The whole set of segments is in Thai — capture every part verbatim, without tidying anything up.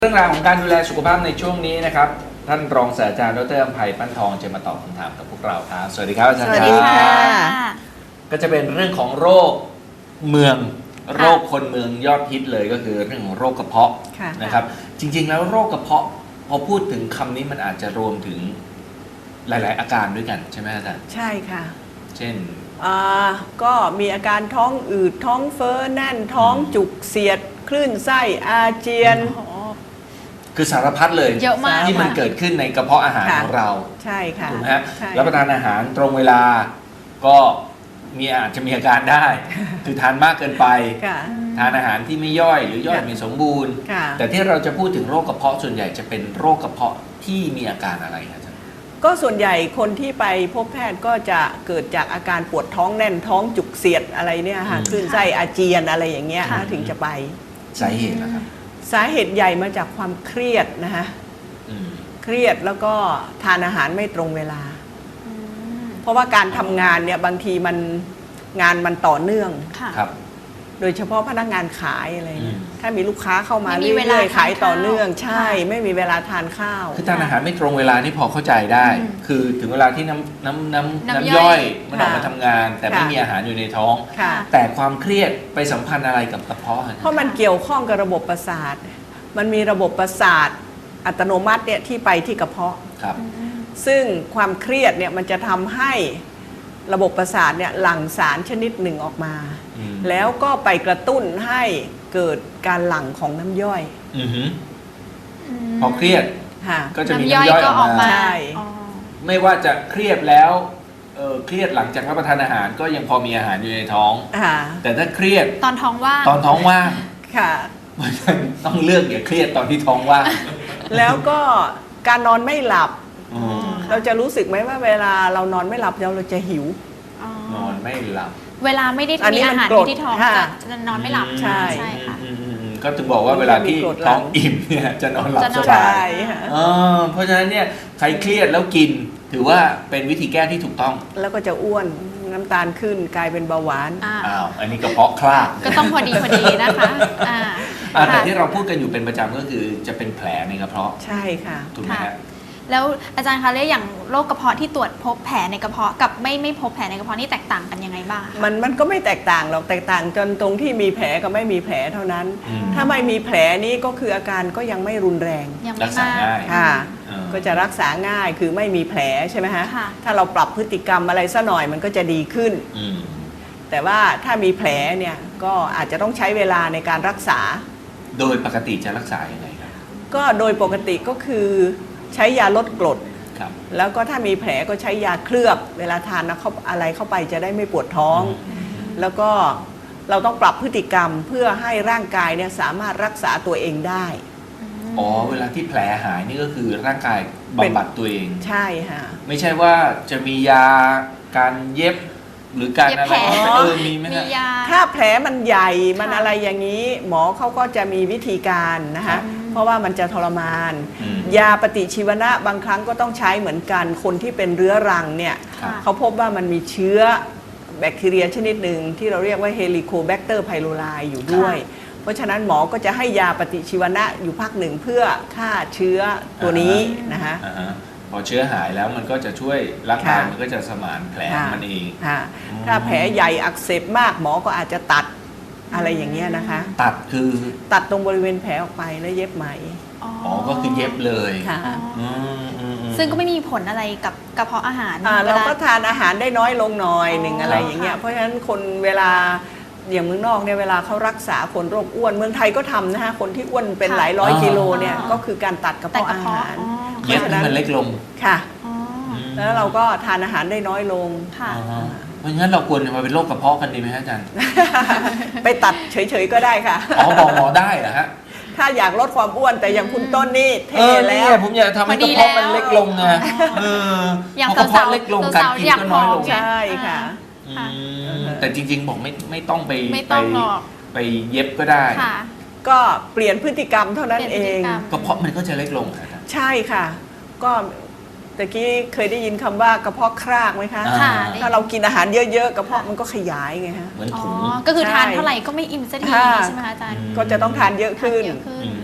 เรื่องราวของการดูแลสุขภาพในช่วงนี้นะครับท่านรองศาสตราจารย์ดร.อำไพปั้นทองจะมาตอบคำถามกับพวกเราครับสวัสดีครับอาจารย์สวัสดีค่ะก็จะเป็นเรื่องของโรคเมืองโรคคนเมืองยอดฮิตเลยก็คือเรื่องของโรคกระเพาะนะครับจริงๆแล้วโรคกระเพาะพอพูดถึงคำนี้มันอาจจะรวมถึงหลายๆอาการด้วยกันใช่ไหมอาจารย์ใช่ค่ะเช่นอ่าก็มีอาการท้องอืดท้องเฟ้อแน่นท้องจุกเสียดคลื่นไส้อาเจียนคือสารพัดเลยเยอะมากที่มันเกิดขึ้นในกระเพาะอาหารของเราใช่ค่ะถูกไหมฮะรับประทานอาหารตรงเวลาก็มีอาจจะมีอาการได้ คือทานมากเกินไปทานอาหารที่ไม่ย่อยหรือย่อยไม่สมบูรณ์แต่ที่เราจะพูดถึงโรคกระเพาะส่วนใหญ่จะเป็นโรคกระเพาะที่มีอาการอะไรครับอาจารย์ก็ส่วนใหญ่คนที่ไปพบแพทย์ก็จะเกิดจากอาการปวดท้องแน่นท้องจุกเสียดอะไรเนี่ยค่ะคลื่นไส้อาเจียนอะไรอย่างเงี้ยถึงจะไปสาเหตุนะครับสาเหตุใหญ่มาจากความเครียดนะคะเครียดแล้วก็ทานอาหารไม่ตรงเวลาเพราะว่าการทำงานเนี่ยบางทีมันงานมันต่อเนื่องครับโดยเฉพาะพนักงานขายอะไรถ้ามีลูกค้าเข้ามาเรื่อยๆขายต่อเนื่องใช่ไม่มีเวลาทานข้าวคือทานอาหารไม่ตรงเวลานี่พอเข้าใจได้คือถึงเวลาที่น้ำน้ำน้ำน้ำย่อยมันออกมาทำงานแต่ไม่มีอาหารอยู่ในท้องแต่ความเครียดไปสัมพันธ์อะไรกับกระเพาะเพราะมันเกี่ยวข้องกับระบบประสาทมันมีระบบประสาทอัตโนมัติเนี่ยที่ไปที่กระเพาะครับซึ่งความเครียดเนี่ยมันจะทำให้ระบบประสาทเนี่ยหลั่งสารชนิดหนึ่งออกมาแล้วก็ไปกระตุ้นให้เกิดการหลั่งของน้ำย่อยพอเครียดก็จะมีน้ำย่อยออกมาใช่ไม่ว่าจะเครียดแล้วเออเครียดหลังจากรับประทานอาหารก็ยังพอมีอาหารอยู่ในท้องแต่ถ้าเครียดตอนท้องว่างตอนท้องว่างค่ะต้องเลือกอย่าเครียดตอนที่ท้องว่างแล้วก็การนอนไม่หลับเราจะรู้สึกไหมว่าเวลาเรานอนไม่หลับเราจะหิวนอนไม่หลับเวลาไม่ได้มีอาหารที่ท้องจะนอนไม่หลับใช่ค่ะก็ถึงบอกว่าเวลาที่ท้องอิ่มเนี่ยจะนอนหลับสบายเพราะฉะนั้นเนี่ยใครเครียดแล้วกินถือว่าเป็นวิธีแก้ที่ถูกต้องแล้วก็จะอ้วนน้ำตาลขึ้นกลายเป็นเบาหวานอ้าวอันนี้กระเพาะคลาดก็ต้องพอดีพอดีนะคะแต่ที่เราพูดกันอยู่เป็นประจำก็คือจะเป็นแผลในกระเพาะใช่ค่ะถูกไหมครับแล้วอาจารย์คะเรื่องอย่างโรคกระเพาะที่ตรวจพบแผลในกระเพาะกับไม่ไม่พบแผลในกระเพาะนี่แตกต่างกันยังไงบ้างมันมันก็ไม่แตกต่างหรอกแตกต่างจนตรงที่มีแผลกับไม่มีแผลเท่านั้นถ้าไม่มีแผลนี้ก็คืออาการก็ยังไม่รุนแรงรักษาง่ายค่ะก็จะรักษาง่ายคือไม่มีแผลใช่ไหมฮะถ้าเราปรับพฤติกรรมอะไรซะหน่อยมันก็จะดีขึ้นแต่ว่าถ้ามีแผลเนี่ยก็อาจจะต้องใช้เวลาในการรักษาโดยปกติจะรักษาอย่างไรครับก็โดยปกติก็คือใช้ยาลดกรดแล้วก็ถ้ามีแผลก็ใช้ยาเคลือบเวลาทานนะเขาอะไรเข้าไปจะได้ไม่ปวดท้องแล้วก็เราต้องปรับพฤติกรรมเพื่อให้ร่างกายเนี่ยสามารถรักษาตัวเองได้อ๋อเวลาที่แผลหายนี่ก็คือร่างกายบำบัดตัวเองใช่ค่ะไม่ใช่ว่าจะมียาการเย็บหรือการอะไรเออมีไหมนะถ้าแผลมันใหญ่มันอะไรอย่างนี้หมอเขาก็จะมีวิธีการนะคะเพราะว่ามันจะทรมานยาปฏิชีวนะบางครั้งก็ต้องใช้เหมือนกันคนที่เป็นเรื้อรังเนี่ยเขาพบว่ามันมีเชื้อแบคทีเรียชนิดหนึ่งที่เราเรียกว่าเฮลิโคแบคเตอร์ไพโรไลอยู่ด้วยเพราะฉะนั้นหมอก็จะให้ยาปฏิชีวนะอยู่พักหนึ่งเพื่อฆ่าเชื้อตัวนี้นะคะพอเชื้อหายแล้วมันก็จะช่วยร่างกายมันก็จะสมานแผลมันเองถ้าแผลใหญ่อักเสบมากหมอก็อาจจะตัดอะไรอย่างเงี้ยนะคะตัดคือตัดตรงบริเวณแผลออกไปแล้วเย็บไหมอ๋อก็คือเย็บเลยค่ะซึ่งก็ไม่มีผลอะไรกับกระเพาะอาหารเราก็ทานอาหารได้น้อยลงหน่อยหนึ่งอะไรอย่างเงี้ยเพราะฉะนั้นคนเวลาอย่างเมืองนอกเนี่ยเวลาเขารักษาคนโรคอ้วนเมืองไทยก็ทำนะคะคนที่อ้วนเป็นหลายร้อยกิโลเนี่ยก็คือการตัดกระเพาะอาหารเย็บให้มันเล็กลงค่ะแล้วเราก็ทานอาหารได้น้อยลงค่ะเพราะงั้นเราควรมาเป็นโรคกระเพาะกันดีไหมฮะอาจารย์ไปตัดเฉยๆก็ได้ค่ะอ๋อบอกหมอได้เหรอฮะถ้าอยากลดความอ้วนแต่อย่างคุณต้นนี่เท่แล้วผมอยากทำให้กระเพาะมันเล็กลงไงอย่างกระเพาะเล็กลงการกินก็น้อยลงใช่ค่ะแต่จริงๆบอกไม่ไม่ต้องไปไปไปเย็บก็ได้ก็เปลี่ยนพฤติกรรมเท่านั้นเองกระเพาะมันก็จะเล็กลงใช่ค่ะก็ตะกี้เคยได้ยินคำว่ากระเพาะครากไหมคะถ้าเรากินอาหารเยอะๆกระเพาะมันก็ขยายไงฮะเหมือนถุงก็คือทานเท่าไหร่ก็ไม่อิ่มสักทีใช่ไหมคะอาจารย์ก็จะต้องทานเยอะขึ้นก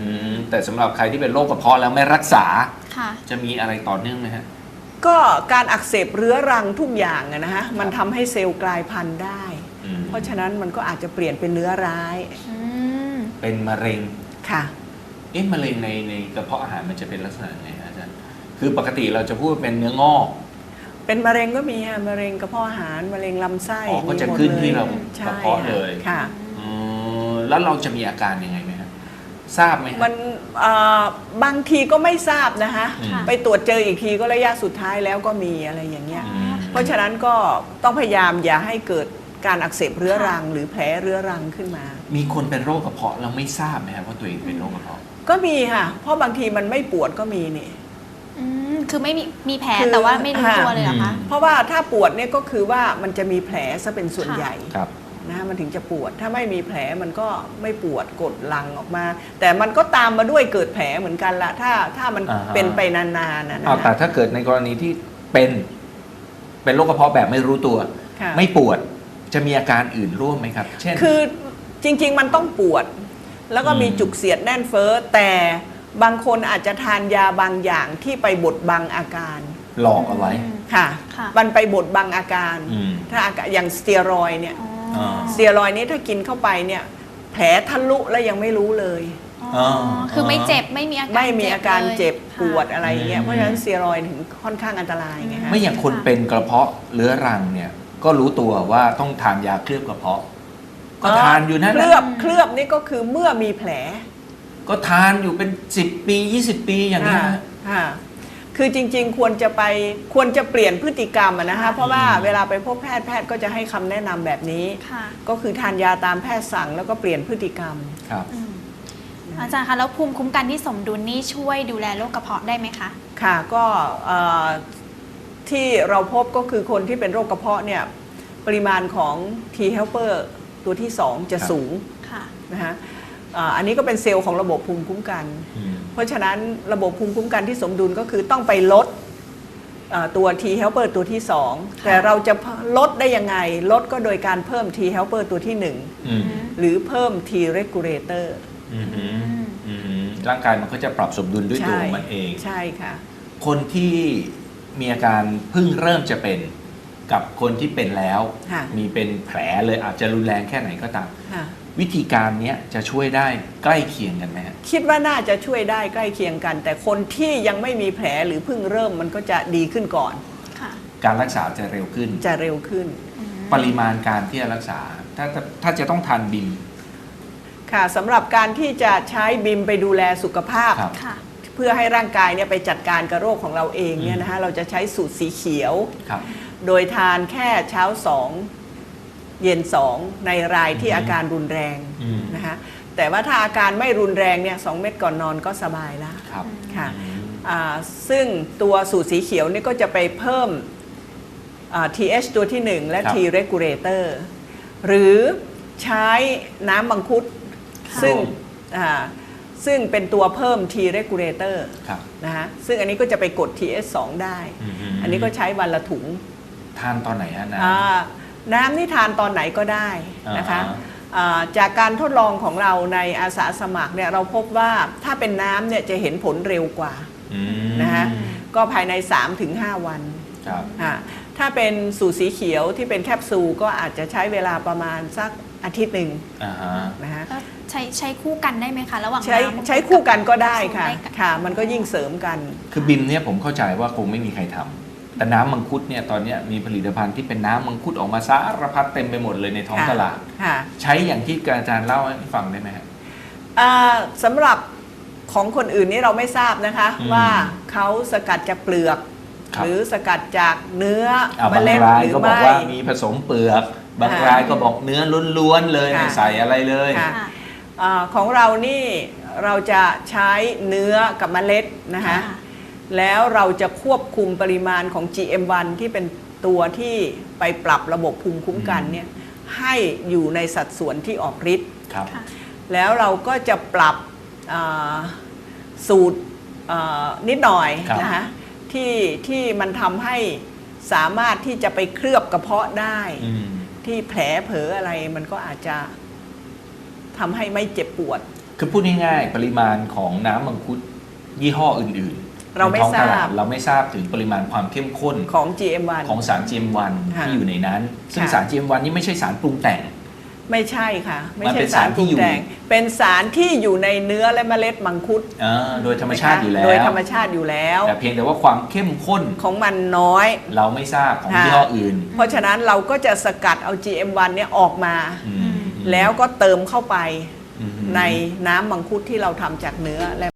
แต่สำหรับใครที่เป็นโรคกระเพาะแล้วไม่รักษาค่ะจะมีอะไรต่อเนื่องไหมฮะก็การอักเสบเรื้อรังทุกอย่างอะนะฮะมันทำให้เซลล์กลายพันธุ์ได้อืมเพราะฉะนั้นมันก็อาจจะเปลี่ยนเป็นเนื้อร้ายอืมเป็นมะเร็งค่ะเอ๊ะมะเร็งในในกระเพาะอาหารมันจะเป็นลักษณะไงฮะอาจารย์คือปกติเราจะพูดว่าเป็นเนื้องอกเป็นมะเร็งก็มีฮะมะเร็งกระเพาะอาหารมะเร็งลำไส้อ๋อก็จะมีหมดขึ้นที่ยเราใช่กระเพาะเลยค่ะอ๋อแล้วเราจะมีอาการยังไงไหมฮะทราบไหมฮะมันเอ่อบางทีก็ไม่ทราบนะคะอืมไปตรวจเจออีกทีก็ระยะสุดท้ายแล้วก็มีอะไรอย่างเงี้ยอืมเพราะฉะนั้นก็ต้องพยายามอย่าให้เกิดการอักเสบเรื้อรัง หรือแผลเรื้อรังขึ้นมามีคนเป็นโรคกระเพาะแล้วไม่ทราบไหมครับว่าตัวเองเป็นโรคกระเพาะก็มีค่ะ เพราะบางทีมันไม่ปวดก็มีนี่อืม คือไม่มีมีแผลคือแต่ว่าไม่รู้ตัวเลยเหรอคะอืมเพราะว่าถ้าปวดเนี่ยก็คือว่ามันจะมีแผลซะเป็นส่วนค่ะใหญ่ครับนะมันถึงจะปวด ถ้าไม่มีแผลมันก็ไม่ปวดกดลังออกมา แต่มันก็ตามมาด้วยเกิดแผลเหมือนกันละถ้าถ้ามันอ่าฮะเป็นไปนานๆนะอ้าวแต่นะถ้าเกิดในกรณีที่เป็นเป็นโรคกระเพาะแบบไม่รู้ตัวค่ะไม่ปวดจะมีอาการอื่นร่วมไหมครับ เช่นคือจริงๆมันต้องปวด แล้วก็มีอืมจุกเสียดแน่นเฟ้อแต่บางคนอาจจะทานยาบางอย่างที่ไปบดบังอาการหลอกเอาไว้ค่ะค่ะมันไปบดบังอาการอืมถ้าอาการอย่างสเตียรอยด์เนี่ยอ๋ออ่าสเตียรอยด์นี้ถ้ากินเข้าไปเนี่ยแผลทะลุแล้วยังไม่รู้เลยอ๋อคือไม่เจ็บไม่มีอาการไม่มีอาการเจ็บลยปวดค่ะอะไรเงี้อืยมเพราะฉะนั้นสเตียรอยด์ถึงค่อนข้างอันตรายไงฮะไม่อย่างคนเป็นกระเพาะเรื้อรังเนี่ยก็รู้ตัวว่าต้องทานยาเคลือบกระเพาะ ก็ทานอยู่นั่นเคแหลืละอบเคลือบนี่ก็คือเมื่อมีแผลก็ทานอยู่เป็นสิบปียี่สิบปีอย่างนี้ยค่ะค่ะคือจริงๆควรจะไปควรจะเปลี่ยนพฤติกรรมอะนะคะเพราะว่าเวลาไปพบแพทย์แพทย์ก็จะให้คำแนะนำแบบนี้ค่ะก็คือทานยาตามแพทย์สั่งแล้วก็เปลี่ยนพฤติกรรมครับอืมอาจารย์คะแล้วภูมิคุ้มกันที่สมดุลนี่ช่วยดูแลโรคกระเพาะได้ไหมคะค่ะก็เอ่อที่เราพบก็คือคนที่เป็นโรคกระเพาะเนี่ยปริมาณของ T helper ตัวที่สองจะครับสูงค่ะนะฮะอ่าอันนี้ก็เป็นเซลล์ของระบบภูมิคุ้มกันอืมเพราะฉะนั้นระบบภูมิคุ้มกันที่สมดุลก็คือต้องไปลดเอ่อตัว T helper ตัวที่สองแต่เราจะลดได้ยังไง ลดก็โดยการเพิ่ม T helper ตัวที่หนึ่งอืมหรือเพิ่ม T regulator อืมอืมอืมร่างกายมันก็จะปรับสมดุลด้วยตัวของมันเองใช่ค่ะคนที่มีอาการเพิ่งเริ่มจะเป็นกับคนที่เป็นแล้วค่ะมีเป็นแผลเลยอาจจะรุนแรงแค่ไหนก็ตามค่ะวิธีการเนี้ยจะช่วยได้ใกล้เคียงกันไหมฮะคิดว่าน่าจะช่วยได้ใกล้เคียงกัน แต่คนที่ยังไม่มีแผลหรือเพิ่งเริ่มมันก็จะดีขึ้นก่อนค่ะการรักษาจะเร็วขึ้นจะเร็วขึ้นอืมปริมาณการที่จะรักษา ถ้าถ้าถ้าจะต้องทานบิมค่ะสำหรับการที่จะใช้บิมไปดูแลสุขภาพครับค่ะเพื่อให้ร่างกายเนี่ยไปจัดการกับโรคของเราเองเนี่ยนะคะเราจะใช้สูตรสีเขียวครับโดยทานแค่เช้าสองเย็นสองในรายที่อืมอาการรุนแรงอืมนะคะแต่ว่าถ้าอาการไม่รุนแรงเนี่ยสองเม็ดก่อนนอนก็สบายแล้วครับค่ะอืมอ่าซึ่งตัวสูตรสีเขียวนี่ก็จะไปเพิ่มอ่า ที เอช ตัวที่หนึ่งและครับ T regulator หรือใช้น้ำมังคุดค่ะซึ่งอ่าซึ่งเป็นตัวเพิ่ม T regulator ครับนะฮะซึ่งอันนี้ก็จะไปกด ที เอช สอง ได้อืมอืมอันนี้ก็ใช้วันละถุงทานตอนไหนฮะนะอ่าน้ำนี่ทานตอนไหนก็ได้นะคะอ่าฮะอ่าจากการทดลองของเราในอาสาสมัครเนี่ยเราพบว่าถ้าเป็นน้ำเนี่ยจะเห็นผลเร็วกว่าอืมนะคะก็ภายใน สามถึงห้า วันครับอ่าถ้าเป็นสูตรสีเขียวที่เป็นแคปซูลก็อาจจะใช้เวลาประมาณสักอาทิตย์หนึ่งอ่าฮะนะฮะแล้วใช้ใช้คู่กันได้ไหมคะ ระหว่างใช้น้ำมังคุดใช้คู่กันก็ได้ค่ะได้กันค่ะ มันก็ยิ่งเสริมกันคือบิมเนี่ยผมเข้าใจว่าคงไม่มีใครทำแต่น้ำมังคุดเนี่ยตอนเนี้ยมีผลิตภัณฑ์ที่เป็นน้ำมังคุดออกมาสารพัดเต็มไปหมดเลยในท้องค่ะตลาดค่ะใช้อย่างที่อาจารย์เล่าให้ฟังได้ไหมฮะอ่าสำหรับของคนอื่นนี่เราไม่ทราบนะคะอืมว่าเขาสกัดจากเปลือกครับหรือสกัดจากเนื้ออ่าเมบางล็ดรายหรือก็บอกไม่ว่ามีผสมเปลือก บางค่ะรายก็บอกเนื้อล้วนๆเลยค่ะไม่ใส่อะไรเลยค่ะค่ะอาของเรานี่เราจะใช้เนื้อกับเมล็ดนะคะค่ะแล้วเราจะควบคุมปริมาณของ จี เอ็ม วัน ที่เป็นตัวที่ไปปรับระบบภูมิคุ้มกันเนี่ยให้อยู่ในสัดส่วนที่ออกฤทธิ์ครับค่ะแล้วเราก็จะปรับอ่าสูตรอ่านิดหน่อยครับนะคะที่ที่มันทำให้สามารถที่จะไปเคลือบกระเพาะได้อืมที่แผลเผลออะไรมันก็อาจจะทำให้ไม่เจ็บปวดคือพูดง่ายๆปริมาณของน้ำมังคุดยี่ห้ออื่นๆเราไม่ในท้องตลดทราบเราไม่ทราบถึงปริมาณความเข้มข้นของ จี เอ็ม วันของสาร จี เอ็ม วันค่ะที่อยู่ในนั้น ซึ่งค่ะสาร จี เอ็ม วันนี่ไม่ใช่สารปรุงแต่งไม่ใช่ค่ะ ไม่มันใช่เป็นสารสารปรุงที่อยู่แต่งเป็นสารที่อยู่ในเนื้อและเมล็ดมังคุดอ่าโดยธรรมชาติอยู่แล้วโดยธรรมชาติอยู่แล้วแต่เพียงแต่ว่าความเข้มข้นของมันน้อยเราไม่ทราบของค่ะยี่ห้ออื่นเพราะฉะนั้นเราก็จะสกัดเอา จี เอ็ม วัน เนี่ยออกมาอืมแล้วก็เติมเข้าไปอืมในน้ำมังคุดที่เราทำจากเนื้อและ